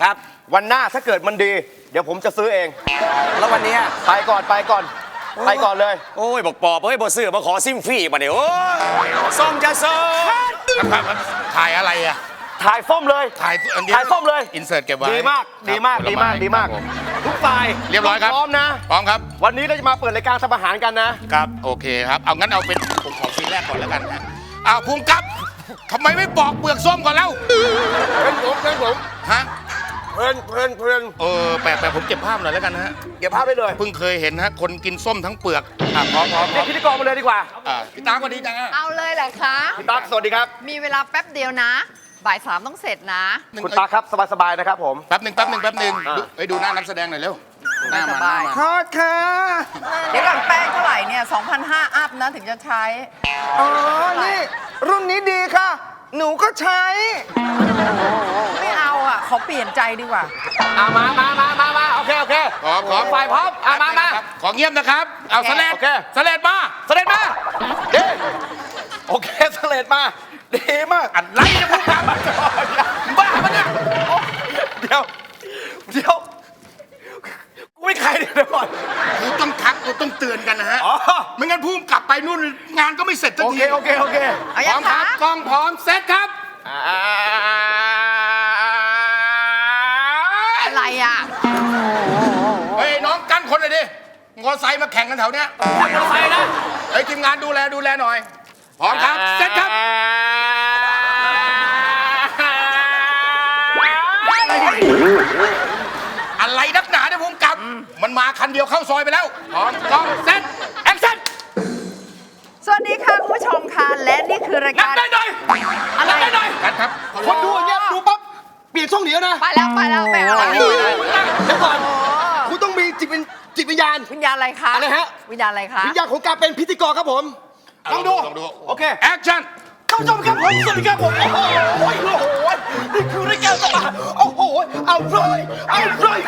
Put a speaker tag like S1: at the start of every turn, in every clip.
S1: ครับวันหน้าถ้าเกิดมันดีเดี๋ยวผมจะซื้อเองแล้ววันนี้ไปก่อนเลย
S2: โอ้ยบอกปอบเฮ้ยบอซื้อมาขอซิมฟรีมาเดี๋ยวโอ้ยส้มจะส้ม
S3: ถ่ายอะไรอ่ะ
S1: ถ่ายส้มเลย
S3: ถ่ายอันนี้
S1: ถ่ายส้มเลย
S3: อินเสิร์ตเก็บไว้
S1: ดีมากทุกฝ่าย
S3: เรียบร้อยครับ
S1: พร้อมนะ
S3: พร้อมครับ
S1: วันนี้เราจะมาเปิดรายการทำอาหารกันนะครับ
S3: โอเคครับเอางั้นเอาเป็นผมของซีนแรกก่อนแล้วกันฮะเอาภูมิกับทำไมไม่ปอกเปลือกส้มก่อนแล้ว
S1: เป็นผม
S3: ฮะ
S1: เพลิน
S3: แปลกผมเก็บภาพหน่อยแล้วกันนะฮะ
S1: เก็บภาพไปเลย
S3: เพิ่งเคยเห็นฮะคนกินส้มทั้งเปลือกพร้อม
S1: เรียกพิธีกรมาเลยดีกว่า
S3: พี่ตาก็ดีจังฮะ
S4: เอาเลยเหรอคะ
S1: คุณตั๊กสวัสดีครับ
S4: มีเวลาแป๊บเดียวนะ บ่าย 3ต้องเสร็จนะ
S1: คุณตั๊กครับสบายๆนะครับผม
S3: แป๊บหนึ่งดูหน้านักแสดงหน่อยเร็วหน้า
S4: ส
S3: มาห
S4: บา
S3: น้าย มา
S1: ทอดค่ะ
S4: เดี๋ยวก่อนแป้งเท่าไหร่เนี่ย 2,500 อัพนะถึงจะใช้
S1: อ๋อนี่รุ่นนี้ดีค่ะ หนูก็ใช้
S4: ไม่เอาอ่ะ ขอเปลี่ยนใจดีกว่า
S1: มาโอเค
S3: พร้อม
S1: ฝ่ายพร้อมมา
S3: ขอเงียบนะครับเอาสแลด
S1: โอเค
S3: สแลดมา
S1: เสด็จมาดีโอเคเสด็จมาดีมาก
S3: อะไรจะพูดกันบ้าปะเนี่ย
S1: เดี๋ยวกูไม่ใครเดี๋ยวก่อน
S3: กูต้องทักกูต้องเตือนกันนะฮะ
S1: อ๋อ
S3: ไม่งั้นพุ่มกลับไปนู่นงานก็ไม่เสร็จสัก
S1: โอ
S3: ที
S1: เค
S4: เอา
S3: พร้
S4: ยั
S3: อง มค
S4: คะ
S3: รับกล้องพร้อมเซตครับ
S4: อะไรอ่ะ
S3: เฮ้ยน้องกั้นคนเลยดิมอไซค์มาแข่งกันแถวเนี้ย
S1: ไปนะ
S3: เฮ้ยทีมงานดูแลหน่อยพร้อมครับเซตครับอะไรนักหนาเนี่ยพุ่มกลับมันมาคันเดียวเข้าซอยไปแล้วพร้อมกล้องเซตแอคชั่น
S4: สวัสดีค่ะคุณผู้ชมค่ะ และนี่คือราย
S3: นั
S4: กา
S3: บ
S4: ร
S3: ได้หน่อย
S4: อะไร
S3: นับได้หน่อยครับ
S1: คนดูอย่างเงี้ยดูปั๊บเปลี่ยนช่องเดียวนะ
S4: ไปแล้วไม่เอา
S1: เดี๋ยวก่อนคุณต้องมีจิตวิญญาณ
S4: วิญญาณอะไรคะ
S1: อะไรฮะ
S4: วิญญาณอะไรคะ
S1: วิญญาณของการเป็นพิธีกรครับผมลองดูโอเค
S3: แอคชั่น
S1: ท่านผู้ชมครับผมสวัสดีครับผมโอ้โหนี่คือรายการสมาโอ้โหเอาเลย
S5: ก่อน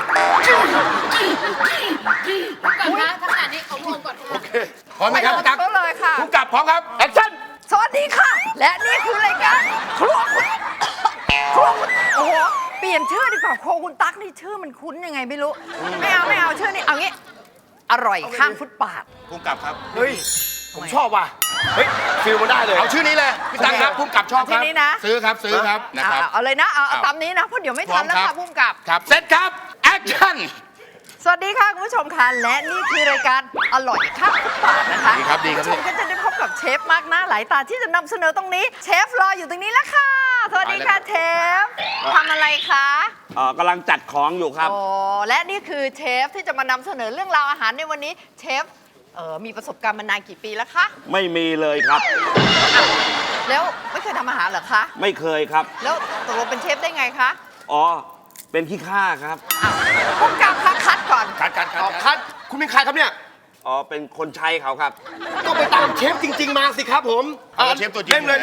S5: นะขนาดนี้เขารวมก่อน
S1: โอเค
S3: พร้อมไหมครับ
S4: ตักเลยค่ะ
S3: พุ่มกลับพร้อมครับแอคชั่น
S4: สวัสดีค่ะ และนี่คือรายการครัวคุณโอ้โห เปลี่ยนชื่อดีกว่าครัวคุณตั๊กนี่ชื่อมันคุ้นยังไงไม่รู้ ไม่เอาชื่อนี้เอางี้ อร่อยข้างฟุตบาท
S3: พุ่มกลับครับ
S1: เฮ้ยผมชอบว่ะเฮ้ยฟิลมันได้เลย
S3: เอาชื่อนี้เลยพี่ตังครับพุ่มกลับชอบครับ
S4: ชื่อนี้นะ
S3: ซื้อครับนะครับ
S4: เอาเลยนะเอาตามนี้นะเพราะเดี๋ยวไม่ทันแล้วค่ะพุ่มกับ
S3: ครับเซตครับแอคชั่น
S4: สวัสดีค่ะคุณผู้ชมค่ะและนี่คือรายการอร่อยข้างฟุตบาทนะคะ
S3: ดีครับ
S4: ณผู้ชมก็จะได้พบกับเชฟมากหน้าหลายตาที่จะนำเสนอตรงนี้ เชฟรออยู่ตรงนี้แล้วค่ะ สวัสดีค่ะเชฟทำอะไรคะ
S2: กำลังจัดของอยู่ครับ
S4: โอ้และนี่คือเชฟที่จะมานำเสนอเรื่องราวอาหารในวันนี้เชฟมีประสบการณ์มานานกี่ปีแล้วคะ
S2: ไม่มีเลยครับ
S4: แล้วไม่เคยทำอาหารเหรอคะ
S2: ไม่เคยครับ
S4: แล้วตกลงเป็นเชฟได้ไงคะ
S2: อ๋อเป็นขี้ข้าครับ
S4: พุ่มกับคะคัดก่อน
S1: คัดคุณเป็นใครครับเนี่ย
S2: อ๋อเป็นคนใช้เขาครับ
S1: ก็ไปตามเชฟจริง ๆ มาสิครับผม
S3: เชฟตัวจริง
S1: เล่นเลย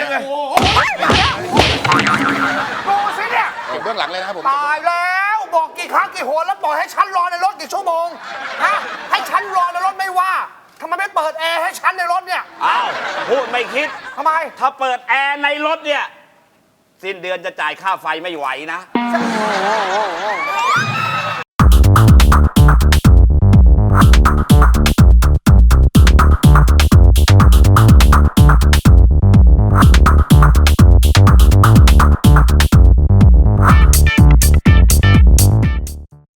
S6: ดูสิเนี่ย
S3: เก็บเบื้องหลังเลยนะครับผม
S6: ตายแล้วบอกกี่ครั้งกี่หนแล้วปล่อยให้ฉันรอในรถกี่ชั่วโมงฮะให้ฉันรอในรถไม่ว่าทำไมไม่เปิดแอร์ให้ฉันในรถเนี่ย
S2: อ้าวพูดไม่คิด
S6: ทำไม
S2: ถ้าเปิดแอร์ในรถเนี่ย สิ้นเดือนจะจ่ายค่าไฟไม่ไหวนะ
S6: โ